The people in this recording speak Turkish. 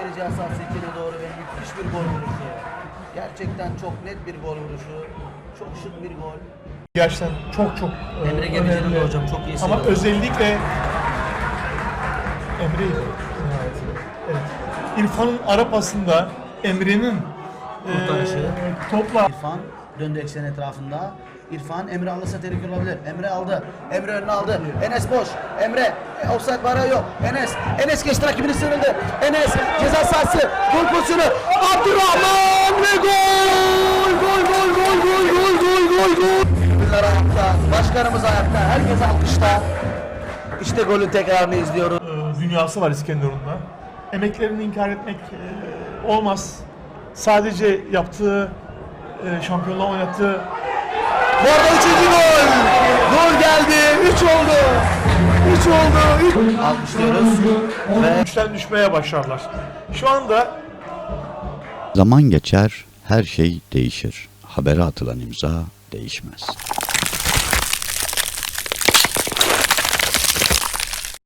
yarı ceza sahası içine doğru ve müthiş bir gol vuruşu. Gerçekten çok net bir gol vuruşu. Çok şık bir gol. Gerçekten çok Emre Gemici'nin önemli. de hocam çok iyi Ama seviyorum. özellikle Emre'ydi. Evet. İrfan'ın ara pasında Emre'nin Kurtarışı. topla İrfan döndü eksen etrafında. İrfan Emre alırsa tehlike olabilir. Emre aldı. Emre önüne aldı. Enes boş. Emre offside var yok. Enes geçti, rakibini sıyrıldı. Enes ceza sahası. Gol pozisyonu. Abdurrahman ve gol! Gol! Bunlar ayakta. Başkanımız ayakta. Herkes alkışta. İşte golün tekrarını izliyoruz. dünyası var İskenderun'da. Emeklerini inkar etmek olmaz. Sadece yaptığı şampiyonluğa oynattığı. Bu arada 3. gol. Gol geldi. 3 oldu. 3 oldu. Alkışlıyoruz. Ve Güçten düşmeye başlarlar. Şu anda Zaman geçer, her şey değişir. Habere atılan imza değişmez.